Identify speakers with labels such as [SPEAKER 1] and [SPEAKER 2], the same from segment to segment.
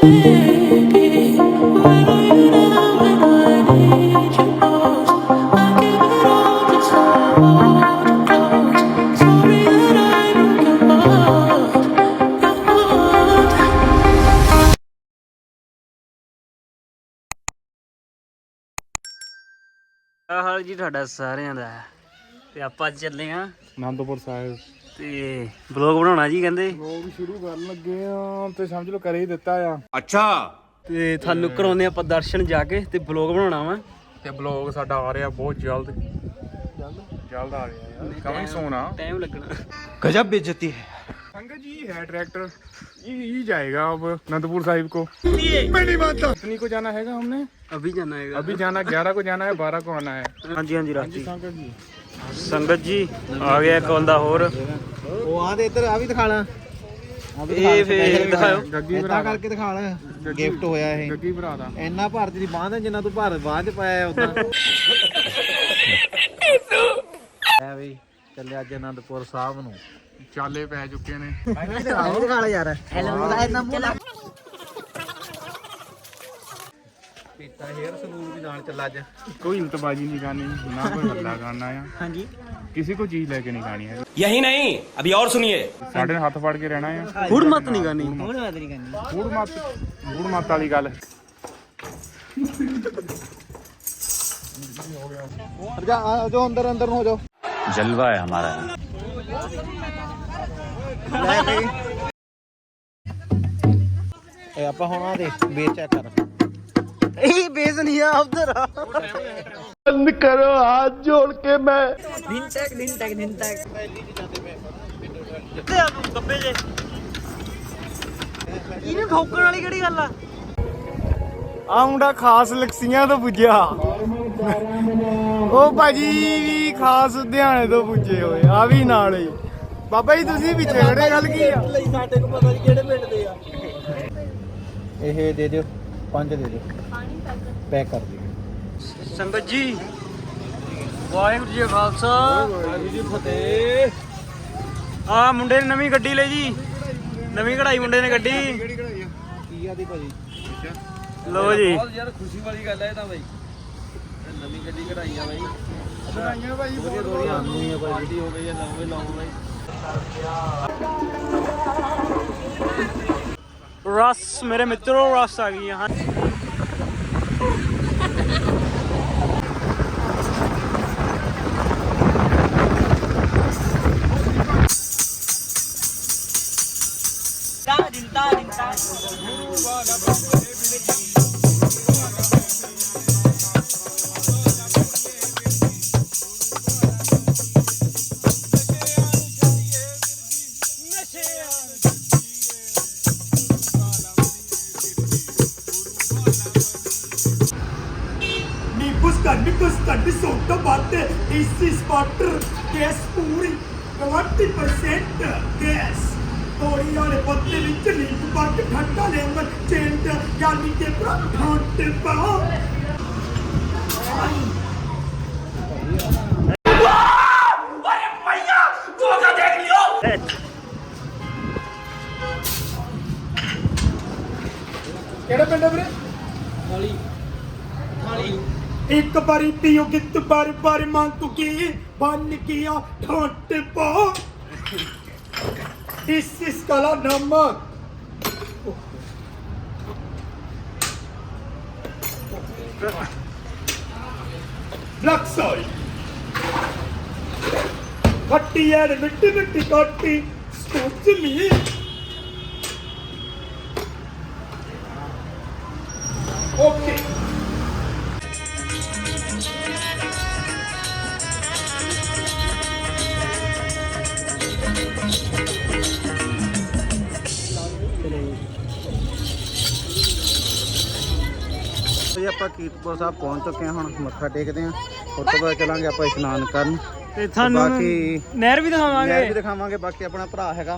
[SPEAKER 1] ਹਾਲ ਜੀ ਤੁਹਾਡਾ ਸਾਰਿਆਂ ਦਾ ਤੇ ਆਪਾਂ ਚੱਲੇ ਆ
[SPEAKER 2] ਆਨੰਦਪੁਰ ਸਾਹਿਬ
[SPEAKER 1] ਤੇ ਵਲੌਗ ਬਣਾਉਣਾ ਜੀ ਕਹਿੰਦੇ
[SPEAKER 2] ਵਲੌਗ ਸ਼ੁਰੂ ਕਰਨ ਲੱਗੇ ਆ ਤੇ ਸਮਝ ਲਓ ਕਰ ਹੀ ਦਿੱਤਾ ਆ
[SPEAKER 3] ਅੱਛਾ
[SPEAKER 1] ਤੇ ਤੁਹਾਨੂੰ ਕਰਾਉਂਦੇ ਆਪਾਂ ਦਰਸ਼ਨ ਜਾ ਕੇ ਤੇ ਵਲੌਗ ਬਣਾਉਣਾ ਵਾ
[SPEAKER 2] ਤੇ ਵਲੌਗ ਸਾਡਾ ਆ ਰਿਹਾ ਬਹੁਤ ਜਲਦ ਜਲਦ ਆ ਰਿਹਾ ਯਾਰ ਕਮਿੰਗ ਸੂਨ ਆ
[SPEAKER 1] ਟਾਈਮ ਲੱਗਣਾ
[SPEAKER 3] गजब बेइज्जती है
[SPEAKER 2] संगत जी है ट्रैक्टर ये जाएगा अब आनंदपुर साहिब को मैं नहीं मानता कितनी को जाना है हमने
[SPEAKER 1] अभी जाना है
[SPEAKER 2] अभी जाना 11 को जाना है 12 को आना है
[SPEAKER 1] हाँ जी राजी
[SPEAKER 2] संगत जी
[SPEAKER 1] संगत जी आ गया एक बंदा और
[SPEAKER 4] ਉਹ ਆ ਦੇ ਇੱਧਰ ਆ ਵੀ ਦਿਖਾ ਲਾ
[SPEAKER 1] ਇਹ ਫੇਰ ਦਿਖਾਓ
[SPEAKER 2] ਗੱਗੀ ਭਰਾ
[SPEAKER 4] ਇਦਾਂ ਕਰਕੇ ਦਿਖਾ ਲੈ ਗਿਫਟ ਹੋਇਆ ਇਹ
[SPEAKER 2] ਗੱਗੀ ਭਰਾ ਦਾ
[SPEAKER 4] ਇੰਨਾ ਭਾਰਤ ਦੀ ਬਾਂਹ ਦਾ ਜਿੰਨਾ ਤੂੰ ਭਾਰਤ ਬਾਂਹ 'ਚ ਪਾਇਆ ਉਦਾਂ ਐ ਵੀ ਚੱਲੇ ਅੱਜ ਆਨੰਦਪੁਰ ਸਾਹਿਬ ਨੂੰ
[SPEAKER 2] ਚਾਲੇ ਪੈ ਚੁੱਕੇ ਨੇ
[SPEAKER 4] ਦਿਖਾ ਲੈ ਯਾਰ ਇੰਨਾ ਮੂੰਹ ਪੀਤਾ ਹੇਅਰ ਸਲੂਨ ਵੀ ਨਾਲ ਚੱਲਾ ਅੱਜ
[SPEAKER 2] कोई इंतबाजी नहीं करनी ना कोई हल्ला करना है
[SPEAKER 4] हाँ जी
[SPEAKER 2] किसी को चीज लेके नहीं खानी है
[SPEAKER 3] यही नहीं अभी और सुनिए
[SPEAKER 2] साढ़े हाथ फड़ के रहना है
[SPEAKER 1] फूड मत नहीं करनी
[SPEAKER 4] ਹੁਣ ਬਾਤ ਨਹੀਂ ਕਰਨੀ
[SPEAKER 2] गुड़ मत वाली गल
[SPEAKER 4] ਜਾ ਆ ਜੋ ਅੰਦਰ ਅੰਦਰ ਨੂੰ ਹੋ ਜਾਓ
[SPEAKER 3] जलवा है हमारा
[SPEAKER 4] ਇਹ ਆਪਾਂ ਹੁਣ ਆ ਦੇ ਬੇਸ ਚੈੱਕ ਕਰ
[SPEAKER 1] ਇਹ ਬੇਸ ਨਹੀਂ ਆ ਉਧਰ
[SPEAKER 2] बंद करो हाथ जोड़ के मैं
[SPEAKER 4] ਦਿਨ ਤੱਕ
[SPEAKER 1] ਕਿੱਥੇ ਆ ਤੂੰ ਗੱਬੇ ਜੇ ਇਹਨੂੰ ਠੋਕਣ ਵਾਲੀ ਕਿਹੜੀ ਗੱਲ ਆ
[SPEAKER 2] ਆ ਮੁੰਡਾ ਖਾਸ ਲਕਸੀਆਂ ਤੋਂ ਪੁੱਜਿਆ ਉਹ ਭਾਜੀ ਵੀ ਖਾਸ ਲੁਧਿਆਣੇ ਤੋਂ ਪੁੱਜੇ ਹੋਏ ਆ ਵੀ ਨਾਲ ਹੀ ਬਾਬਾ ਜੀ ਤੁਸੀਂ ਪਿੱਛੇ ਖੜੇ ਗੱਲ ਕੀ ਆ
[SPEAKER 4] ਸਾਡੇ ਕੋਲ ਪਤਾ ਨਹੀਂ ਕਿਹੜੇ ਪਿੰਡ ਦੇ ਆ ਇਹ ਦੇ ਦਿਓ 5 ਦੇ ਦਿਓ ਪੈਕ ਕਰ ਦਿਓ
[SPEAKER 1] ਸੰਗਤ ਜੀ ਵਾਹਿਗੁਰੂ ਜੀ ਕਾ ਖਾਲਸਾ
[SPEAKER 4] ਵਾਹਿਗੁਰੂ ਜੀ ਫਤਿਹ
[SPEAKER 1] ਆ ਮੁੰਡੇ ਨੇ ਨਵੀਂ ਗੱਡੀ ਲਈ ਜੀ ਨਵੀਂ ਕਢਾਈ ਮੁੰਡੇ ਨੇ ਗੱਡੀ
[SPEAKER 4] ਕੀ ਆ ਦੀ ਭਾਜੀ
[SPEAKER 1] ਲੋ ਜੀ
[SPEAKER 4] ਯਾਰ ਖੁਸ਼ੀ ਵਾਲੀ ਗੱਲ ਹੈ ਇਹ ਤਾਂ ਬਾਈ ਨਵੀਂ ਗੱਡੀ ਕਢਾਈ ਆ ਬਾਈ
[SPEAKER 2] ਵਧਾਈਆਂ ਭਾਈ ਬਹੁਤ
[SPEAKER 4] ਨਵੀਂ ਪਾਰਟੀ ਹੋ ਗਈ ਹੈ ਨਵੇਂ ਲਾਉਂ ਬਾਈ
[SPEAKER 1] ਰਸ ਮੇਰੇ ਮਿੱਤਰੋ ਰਸ ਆ ਗਈ ਹਾਂ
[SPEAKER 5] sotto batte issi spotter gas puri 90% gas ਤੋੜੀ ਵਾਲੇ ਪੱਤੇ ਵਿੱਚ ਨੀਂਦ ਪੱਕ ਠੰਡਾ ਲੈਮਨ ਚੇਂਟ ਗਾਲੀ ਕੇ ਪ੍ਰਠਾਂਟ ਪਾ
[SPEAKER 2] ਕਿਹੜਾ ਪਿੰਡ ਵੀਰੇ
[SPEAKER 5] ਇੱਕ ਵਾਰੀ ਪੀਓ ਕਿਤ ਬਾਰ ਬਾਰ ਮੰਗ ਕੇ ਬਨ ਗਿਆ ਠੰਡ ਪਾ ਇਸ ਕਾਲਾ ਨਮਕ ਰਕਸਾਈ ਖੱਟੀ ਐ ਮਿੱਟੀ ਮਿੱਟੀ ਕਾਟੀ ਸੋਚ ਲਈ ਓਕੇ
[SPEAKER 4] ਜੀ ਆਪਾਂ ਕੀਰਤਪੁਰ ਸਾਹਿਬ ਪਹੁੰਚ ਚੁੱਕੇ ਹਾਂ ਹੁਣ ਮੱਥਾ ਟੇਕਦੇ ਹਾਂ ਉਸ ਤੋਂ ਬਾਅਦ ਚਲਾਂਗੇ ਆਪਾਂ ਇਸ਼ਨਾਨ ਕਰਨ
[SPEAKER 1] ਤੇ ਤੁਹਾਨੂੰ
[SPEAKER 4] ਬਾਕੀ
[SPEAKER 1] ਨਹਿਰ ਵੀ
[SPEAKER 4] ਨਹਿਰ ਵੀ
[SPEAKER 1] ਦਿਖਾਵਾਂਗੇ
[SPEAKER 4] ਦਿਖਾਵਾਂਗੇ ਬਾਕੀ ਆਪਣਾ ਭਰਾ ਹੈਗਾ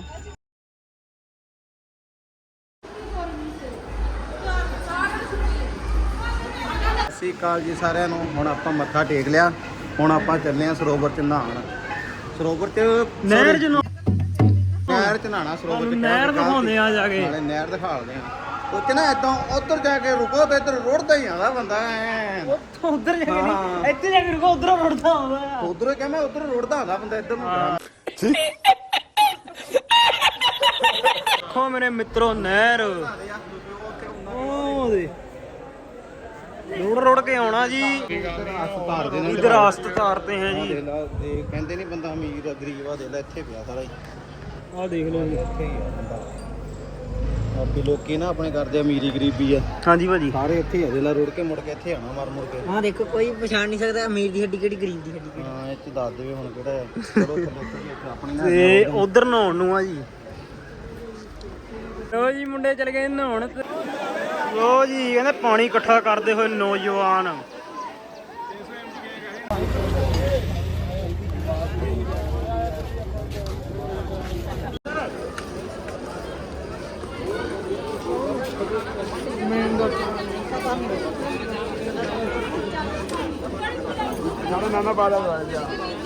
[SPEAKER 4] ਸਤਿ ਸ਼੍ਰੀ ਅਕਾਲ ਜੀ ਸਾਰਿਆਂ ਨੂੰ ਹੁਣ ਆਪਾਂ ਮੱਥਾ ਟੇਕ ਲਿਆ ਹੁਣ ਆਪਾਂ ਚੱਲੇ ਆ ਸਰੋਵਰ ਚ ਨਹਾਉਣ ਸਰੋਵਰ ਚ
[SPEAKER 1] ਨਹਿਰ ਚ
[SPEAKER 4] ਨਹਿਰ ਚ ਨਹਾਣਾ ਸਰੋਵਰ ਚ
[SPEAKER 1] ਨਹਿਰ ਦਿਖਾਉਂਦੇ ਆ ਜਾ ਕੇ
[SPEAKER 4] ਨਾਲੇ ਨਹਿਰ ਦਿਖਾਉਂਦੇ ਆ ਉੱਚ ਨਾ ਏਦਾਂ ਉੱਧਰ ਜਾ ਕੇ ਰੁਕੋ ਤੇ ਇੱਧਰ ਰੁੜਦਾ ਹੀ ਆਉਂਦਾ ਬੰਦਾ
[SPEAKER 1] ਉਧਰ ਜਾ ਕੇ ਨਹੀਂ ਇੱਥੇ ਜਾ ਕੇ ਰੁਕੋ ਉਧਰੋਂ ਰੁੜਦਾ ਆਉਂਦਾ
[SPEAKER 4] ਉਧਰੋਂ ਕਿਹਾ ਮੈਂ ਉੱਧਰ ਰੁੜਦਾ ਆਉਂਦਾ ਬੰਦਾ ਇੱਧਰ ਨੂੰ
[SPEAKER 1] ਦੇਖੋ ਮੇਰੇ ਮਿੱਤਰੋ ਨਹਿਰ ਉਹ ਦੇ ਰੋੜ ਕੇ ਆਉਣਾ ਜੀ
[SPEAKER 4] ਧਾਰਦੇ ਨੇ
[SPEAKER 1] ਇਧਰ ਆਸਤ ਤਾਰਤੇ ਹੈ ਜੀ
[SPEAKER 4] ਤੇ ਕਹਿੰਦੇ ਨਹੀਂ ਬੰਦਾ ਅਮੀਰ ਆ ਗਰੀਬ ਆ ਦੇ ਲੈ ਇੱਥੇ ਪਿਆ ਸਾਰਾ ਹੀ
[SPEAKER 1] ਆਹ ਦੇਖ ਲਓ ਜੀ
[SPEAKER 4] ਇੱਥੇ ਹੀ ਆ ਬੰਦਾ ਆਪੀ ਲੋਕੀ ਨਾ ਆਪਣੇ ਕਰਦੇ ਅਮੀਰੀ ਗਰੀਬੀ ਆ
[SPEAKER 1] ਹਾਂਜੀ ਭਾਜੀ
[SPEAKER 4] ਸਾਰੇ ਇੱਥੇ ਹੀ ਆ ਦੇ ਲੈ ਰੁੜ ਕੇ ਮੁੜ ਕੇ ਇੱਥੇ ਆਣਾ ਮਰ ਮੁੜ ਕੇ
[SPEAKER 6] ਹਾਂ ਦੇਖੋ ਕੋਈ ਪਛਾਣ ਨਹੀਂ ਸਕਦਾ ਅਮੀਰ ਦੀ ਹੱਡੀ ਕਿਹੜੀ ਗਰੀਬ ਦੀ ਹੱਡੀ ਕਿਹੜੀ
[SPEAKER 4] ਹਾਂ ਇਹ ਚ ਦੱਸ ਦੇਵੇ ਹੁਣ ਕਿਹੜਾ ਆ ਚਲੋ ਇੱਥੇ ਆਪਣੀ ਨਾ
[SPEAKER 1] ਤੇ ਉਧਰ ਨਹਾਉਣ ਨੂੰ ਆ ਜੀ ਲੋ ਜੀ ਮੁੰਡੇ ਚਲ ਗਏ ਨਹਾਉਣ ਲੋ ਜੀ ਕਹਿੰਦੇ ਪਾਣੀ ਇਕੱਠਾ ਕਰਦੇ ਹੋਏ ਨੌਜਵਾਨ
[SPEAKER 2] ਨਾਨਾ ਬਾਦਾ ਜਾ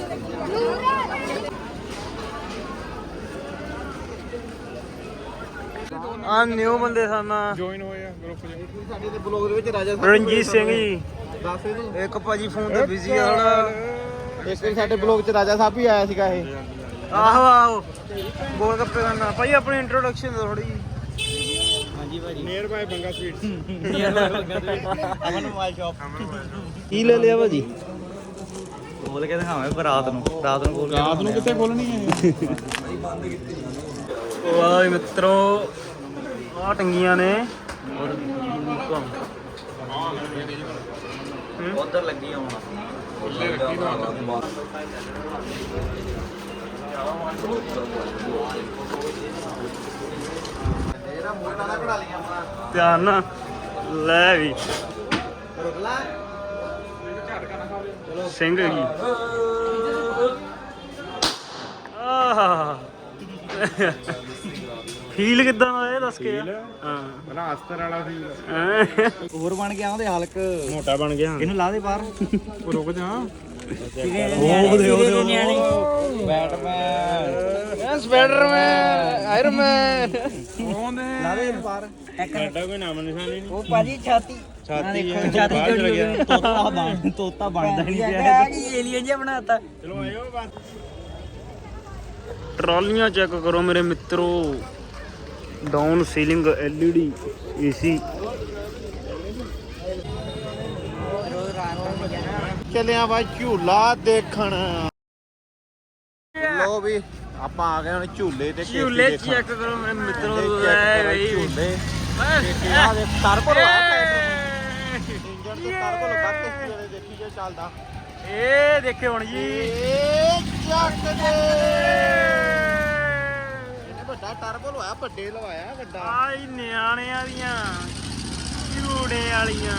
[SPEAKER 1] ਆ ਨਿਊ ਬੰਦੇ ਸਨ
[SPEAKER 2] ਜੁਆਇਨ ਹੋਏ ਆ ਗਰੁੱਪ 'ਚ
[SPEAKER 4] ਸਾਡੇ ਦੇ ਬਲੌਗ ਦੇ ਵਿੱਚ ਰਾਜਾ
[SPEAKER 1] ਰਣਜੀਤ ਸਿੰਘ ਜੀ
[SPEAKER 4] ਦੱਸ ਇਹਨੂੰ
[SPEAKER 1] ਇੱਕ ਭਾਜੀ ਫੋਨ ਤੇ ਬਿਜ਼ੀ ਆ ਹੁਣ
[SPEAKER 4] ਇੱਕ ਵਾਰੀ ਸਾਡੇ ਬਲੌਗ 'ਚ ਰਾਜਾ ਸਾਹਿਬ ਵੀ ਆਇਆ ਸੀਗਾ ਇਹ
[SPEAKER 1] ਆਹੋ ਆਹੋ ਗੋਲ ਗੱਪੇ ਕਰਨਾ ਭਾਈ ਆਪਣੀ ਇੰਟਰੋਡਕਸ਼ਨ ਦਿਓ ਥੋੜੀ ਜੀ
[SPEAKER 4] ਹਾਂਜੀ ਭਾਜੀ
[SPEAKER 2] nearby Banga sweets
[SPEAKER 4] Aman mobile shop
[SPEAKER 1] ਕੀ ਲੈ ਲਿਆ ਭਾਜੀ
[SPEAKER 4] ਬੋਲ ਕੇ ਦਿਖਾਵਾਂ ਰਾਤ ਨੂੰ ਬੋਲ
[SPEAKER 2] ਰਾਤ ਨੂੰ ਕਿੱਥੇ ਖੋਲਣੀ ਹੈ
[SPEAKER 1] ਵਾਹ ਵੀ ਮਿੱਤਰੋ ਆ ਟੰਗੀਆਂ ਨੇ ਔਰ
[SPEAKER 4] ਉਧਰ ਲੱਗੀ ਹੁਣ ਇਹਦਾ ਮੋਟਾ ਨਾ ਕਢਾ ਲਈ ਆਪਣਾ
[SPEAKER 1] ਧਿਆਨ ਨਾਲ ਲੈ ਵੀ
[SPEAKER 4] ਰੁਕ ਲੈ
[SPEAKER 1] ਸਿੰਘ ਜੀ ਆਹ ਫੀਲ ਕਿੱਦਾਂ ਦਾ ਇਹ ਦੱਸ ਕੇ ਯਾਰ। ਹਾਂ
[SPEAKER 2] ਬਣਾ ਅਸਤਰ ਵਾਲਾ ਸੀ
[SPEAKER 4] ਹੋਰ ਬਣ ਗਿਆ ਉਹਦੇ ਹਲਕ
[SPEAKER 1] ਮੋਟਾ ਬਣ ਗਿਆ
[SPEAKER 4] ਇਹਨੂੰ ਲਾ ਦੇ ਬਾਹਰ
[SPEAKER 2] ਉਹ ਰੁਕ ਜਾ
[SPEAKER 4] ਬੈਟਮੈਨ
[SPEAKER 1] ਸਪਾਈਡਰਮੈਨ ਆਇਰਨਮੈਨ
[SPEAKER 4] ਲਾ ਦੇ ਇਹਨੂੰ ਬਾਹਰ
[SPEAKER 1] ਸਾਡਾ ਕੋਈ ਨਾਮ ਨਿਸ਼ਾਨੀ ਨਹੀਂ
[SPEAKER 6] ਉਹ ਭਾਜੀ ਛਾਤੀ
[SPEAKER 1] ਛਾਤੀ
[SPEAKER 6] ਦੇਖੋ ਛਾਤੀ
[SPEAKER 1] ਬਾਹਰ ਚਲ
[SPEAKER 6] ਜੋੜੀ
[SPEAKER 1] ਗਿਆ
[SPEAKER 4] ਤੋਤਾ ਬਣਦਾ ਨਹੀਂ
[SPEAKER 6] ਪਿਆ ਕਿ ਏਲੀਅਨ ਜਿਹਾ ਬਣਾਤਾ
[SPEAKER 1] ਚਲੋ ਆਇਓ ਬਸ ਟਰਾਲੀਆਂ ਚੈੱਕ ਕਰੋ ਮੇਰੇ ਮਿੱਤਰੋ ਡਾਊਨ ਸੀਲਿੰਗ ਐਲਈਡੀ ਏਸੀ
[SPEAKER 4] ਚੱਲਿਆ ਵਾ ਝੂਲਾ ਦੇਖਣ ਲੋ ਵੀ ਆਪਾਂ ਆ ਗਏ ਹੁਣ ਝੂਲੇ ਤੇ
[SPEAKER 1] ਝੂਲੇ ਚੈੱਕ ਕਰੋ ਮੇਰੇ ਮਿੱਤਰੋ ਲੈ ਬਈ
[SPEAKER 4] ਝੂਲੇ ਆ ਦੇ ਟਰਬੋ ਇੰਜਨ ਤੋਂ ਟਰਬੋ ਲਗਾ ਕੇ ਝੂਲੇ ਦੇਖੀ ਜੇ ਚੱਲਦਾ
[SPEAKER 1] ਇਹ ਦੇਖਿਓ ਹੁਣ ਜੀ
[SPEAKER 4] ਏ ਚੱਕ ਦੇ ਇਹਨੇ ਵੱਡਾ ਟਰਬੋ ਲਵਾਇਆ ਵੱਡੇ ਲਵਾਇਆ ਵੱਡਾ
[SPEAKER 1] ਆਈ ਨਿਆਣਿਆਂ ਦੀਆਂ ਝੂੜੇ ਵਾਲੀਆਂ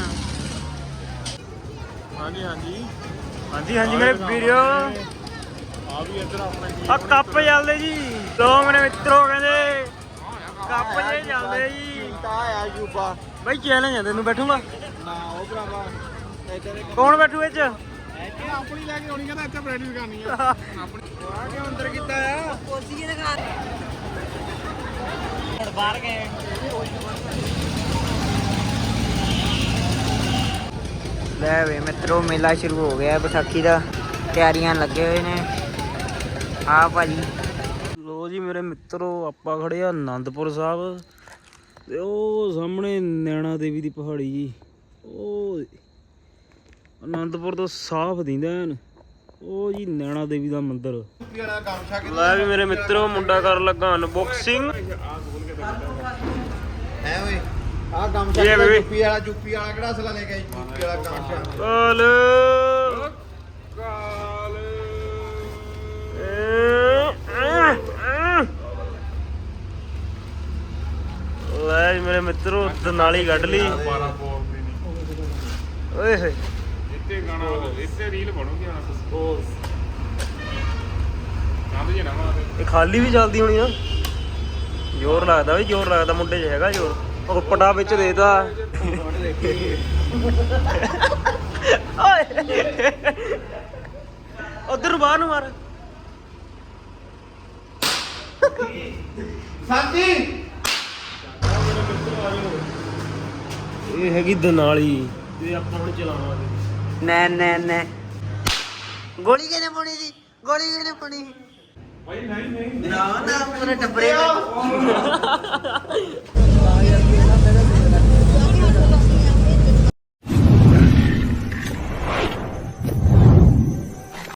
[SPEAKER 2] ਹਾਂਜੀ ਹਾਂਜੀ
[SPEAKER 1] ਹਾਂਜੀ ਹਾਂਜੀ ਮੇਰੇ ਵੀਰੋ
[SPEAKER 2] ਆ ਵੀ ਇੱਧਰ ਆਪਣਾ
[SPEAKER 1] ਆ ਕੱਪ ਚੱਲਦੇ ਜੀ ਲੋ ਮੇਰੇ ਮਿੱਤਰੋ ਕਹਿੰਦੇ ਕੱਪ ਜੇ ਚੱਲਦੇ ਜੀ
[SPEAKER 4] ਤਾਂ ਆਇਆ ਯੂਬਾ
[SPEAKER 1] ਬਈ ਚੈਲੰਜ ਆ ਤੈਨੂੰ ਬੈਠੂਗਾ
[SPEAKER 4] ਨਾ ਉਹ ਭਰਾਵਾ ਇੱਧਰ ਇੱਕ
[SPEAKER 1] ਕੌਣ ਬੈਠੂ ਇਹ ਚ
[SPEAKER 2] ਇਹ ਆਪਣੀ ਲੈ ਕੇ ਆਉਣੀ ਕਹਿੰਦਾ ਇੱਥੇ ਪ੍ਰੈਕਟਿਸ ਕਰਨੀ ਆ ਆਪਣੀ
[SPEAKER 1] ਆ ਕੇ ਅੰਦਰ ਕੀਤਾ ਆ
[SPEAKER 6] ਕੋਸੀ ਦਿਖਾ ਬਾਹਰ ਗਏ ਲੈ ਵੇ ਮਿੱਤਰੋ ਮੇਲਾ ਸ਼ੁਰੂ ਹੋ ਗਿਆ ਵਿਸਾਖੀ ਦਾ ਤਿਆਰੀਆਂ ਲੱਗੇ ਹੋਏ ਨੇ ਆ ਭਾਜੀ
[SPEAKER 1] ਲੋ ਜੀ ਮੇਰੇ ਮਿੱਤਰੋ ਆਪਾਂ ਖੜੇ ਆ ਆਨੰਦਪੁਰ ਸਾਹਿਬ ਤੇ ਉਹ ਸਾਹਮਣੇ ਨੈਣਾ ਦੇਵੀ ਦੀ ਪਹਾੜੀ ਜੀ ਉਹ ਆਨੰਦਪੁਰ ਤੋਂ ਸਾਫ਼ ਦਿੰਦਾ ਐਨ ਉਹ ਜੀ ਨੈਣਾ ਦੇਵੀ ਦਾ ਮੰਦਿਰ ਲੈ ਵੀ ਮੇਰੇ ਮਿੱਤਰੋ ਮੁੰਡਾ ਕਰਨ ਲੱਗਾ ਅਨਬਾਕਸਿੰਗ
[SPEAKER 4] ਹੈ ਓਏ ਆ ਗਮਛਾ
[SPEAKER 1] ਇਹ ਬੇਬੀ।
[SPEAKER 4] ਜੁੱਪੀ ਵਾਲਾ ਕਿਹੜਾ ਅਸਲਾ ਲੈ ਕੇ ਆਈ ਜੁੱਪੀ ਵਾਲਾ ਗਮਛਾ
[SPEAKER 1] ਕਾਲ ਲੈ ਜੀ ਮੇਰੇ ਮਿੱਤਰੋ ਦਨਾਲੀ ਕੱਢ ਲਈ
[SPEAKER 2] 12 ਬੋਲ ਦੀ ਨਹੀਂ
[SPEAKER 1] ਓਏ ਹੋਏ
[SPEAKER 2] ਇੱਥੇ ਗਾਣਾ ਇੱਥੇ ਰੀਲ ਬਣੂਗੀ ਹੁਣ ਕੰਦ ਜੇ ਨਾ ਮਾਰੇ
[SPEAKER 1] ਇਹ ਖਾਲੀ ਵੀ ਚੱਲਦੀ ਹੋਣੀ ਆ ਜ਼ੋਰ ਲੱਗਦਾ ਵੀ ਜ਼ੋਰ ਲੱਗਦਾ ਮੁੰਡੇ 'ਚ ਹੈਗਾ ਜ਼ੋਰ ਉਹ ਪਟਾ ਵਿੱਚ ਦੇਦਾ ਓਏ ਉਧਰ ਬਾਹਰ ਨੂੰ ਮਾਰ
[SPEAKER 4] ਸਾਥੀ
[SPEAKER 1] ਇਹ ਹੈਗੀ ਦਨਾਲੀ ਤੇ ਆਪਾਂ ਹੁਣ ਚਲਾਵਾਂਗੇ।
[SPEAKER 6] ਨੈ ਗੋਲੀ ਕਿਹਨੇ ਪਾਉਣੀ ਸੀ? ਗੋਲੀ ਕਿਹਨੇ ਪਾਉਣੀ ਸੀ?
[SPEAKER 2] ਭਾਈ ਨਹੀਂ
[SPEAKER 6] ਨਾ ਪੂਰੇ ਟੱਬਰੇ